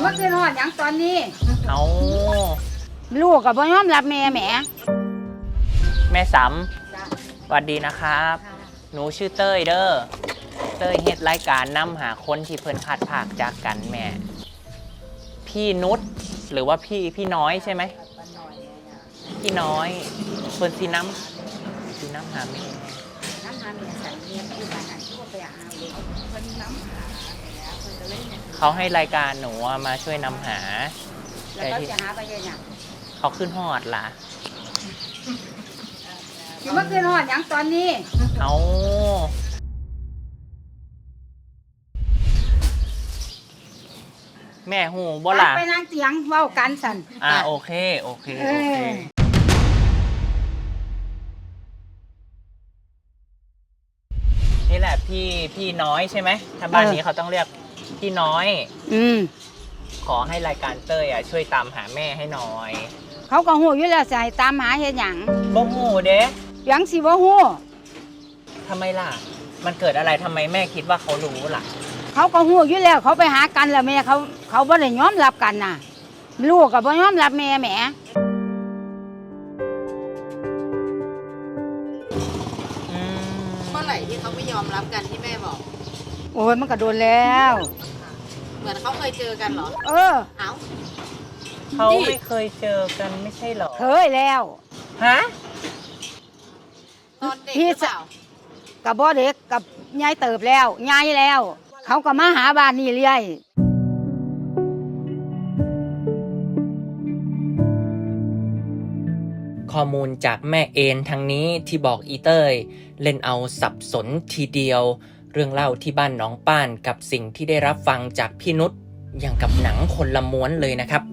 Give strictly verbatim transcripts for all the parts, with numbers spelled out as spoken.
เมื่อคืนนอนอย่างตอนนี้เอาลูกกับบ่ยอมรับแม่แหมแม่สำสวัสดีนะครับหนูชื่อเต้ยเด้อเต้ยเฮ็ดรายการนำหาคนที่เพิ่นพัดภาคจากกันแม่พี่นุชหรือว่าพี่พี่น้อยใช่ไหมพี่น้อยเพิ่นสีน้ำสีน้ำหาแม่น้ำหาแม่ใส่เมียที่บ้านนั้นที่ว่าไปหาเลยเพิ่นน้ำหาเพิ่นก็เลยเขาให้รายการหนูมาช่วยนำหาแล้วก็จะหาไปยังไงเขาขึ้นหอดล่ะอยู่เมื่อคืนนอนอย่างตอนนี้เอาแม่หูบ่ล่ะไปนั่งเตียงเว้ากันสั่นอ่าโอเคโอเคโอเคนี่แหละพี่พี่น้อยใช่ไหมถ้าบ้านนี้เขาต้องเรียกพี่น้อยอืมขอให้รายการเต้ยอ่ะช่วยตามหาแม่ให้หน่อยเขาก็หูอยู่แล้วใส่ตามหาเฮ็ดหยังบ่หูเด้ยังสิบ่หูทำไมล่ะมันเกิดอะไรทำไมแม่คิดว่าเขารู้ล่ะเขาก็หูอยู่แล้วเขาไปหากันแล้วแม่เขาเขาบ่ได้ยอมรับกันน่ะลูกก็บ่ยอมรับแม่แหมเมื่อไหร่ที่เขาไม่ยอมรับกันที่แม่บอกโอ้ยมันก็โดนแล้วเหมือนเขาเคยเจอกันเหรอเออเอ้าเขาไม่เคยเจอกันไม่ใช่หรอเคยแล้วฮะตอนเด็กหรือเปล่ากับบ่เด็กกับยายเติบแล้วยายแล้วเขาก็มาหาบ้านนี่เรื่อยข้อมูลจากแม่เอนทางนี้ที่บอกอีเต้ยเล่นเอาสับสนทีเดียวเรื่องเล่าที่บ้านน้องป้านกับสิ่งที่ได้รับฟังจากพี่นุชอย่างกับหนังคนละม้วนเลยนะครับ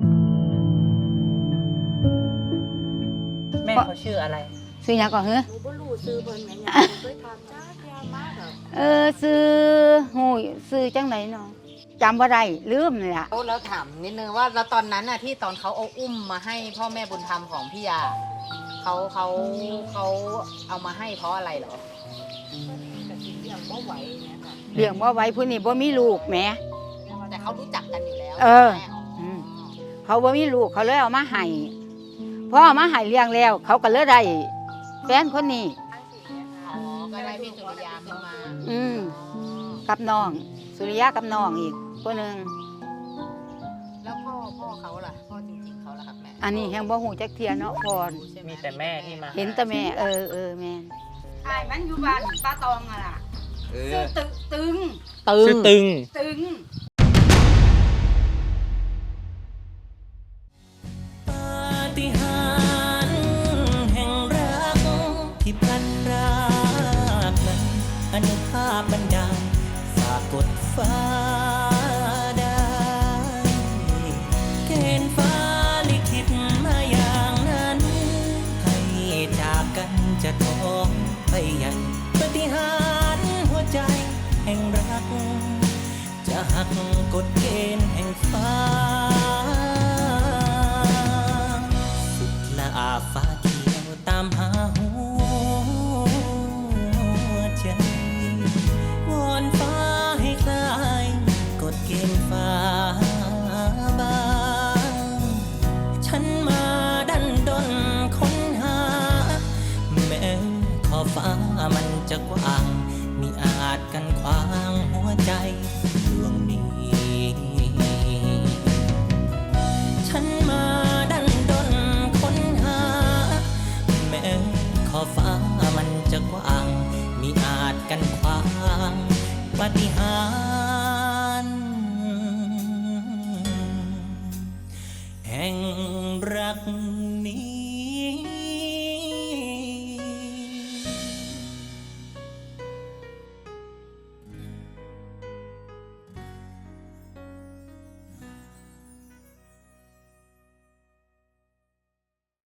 แม่เขาชื่ออะไรซื้อหยังก่อนเหรอหนูบ่รู้ซื้อเพิ่นแม่หยังเคยถามจ้าแกมากแบบเออซื้อหูซื้อจังไหนเนาะจำบ่ได้ลืมเลยอะแล้วถามนิดนึงว่าแล้วตอนนั้นน่ะที่ตอนเขาเอาอุ้มมาให้พ่อแม่บุญธรรมของพี่ยาเขาเขาเขาเอามาให้เพราะอะไรเหรอเลี้ยงบ่ไหวเนี่ยค่ะเลี้ยงบ่ไหวผู้นี้บ่มีลูกแหมแต่เขารู้จักกันอยู่แล้วเออเขาบ่มีลูกเขาเลยเอามาให้พอเอามาให้เลี้ยงแล้วเขาก็เลยได้แฟนคนนี้อ๋อก็ได้พี่สุริยาขึ้นมาอืมกับน้องสุริยะกับน้องอีกคนหนึ่งแล้วพ่อพ่อเขาล่ะพ่อจริงๆเขาล่ะครับแม่อันนี้แฮงบ่ฮู้จักเทียเนาะพรมีแต่แม่ที่มาเห็นแต่แม่เออเออแม่ใช่มันอยู่บ้านป้าตองอะล่ะซื้อตึงตึงซื้อตึงตึงปาฏิหาริย์แห่งรักที่พลันรากนั้นอนุภาพบันดาลฝากกดฟ้าได้เกณฑ์ฟ้าลิขิตมาอย่างนั้นให้จากกันจะท้องไปใหญ่ปาฏิหาริย์หัวใจแห่งรักจะหักกฎเกณฑ์แห่งฟ้าสุดละอาฟ้าเขียวตามหาหัวใจวอนฟ้าให้คลายกฎเกณฑ์ฟ้าบางฉันมาดันดนค้นหาแม้ขอบฟ้ามันจะกว้างมิอาจกันขวางหัวใจดวงนี้ฉันมาดันดนค้นหาแม้ขอบฟ้ามันจะกว้างมิอาจกันขวางปาฏิหาริย์แห่งรัก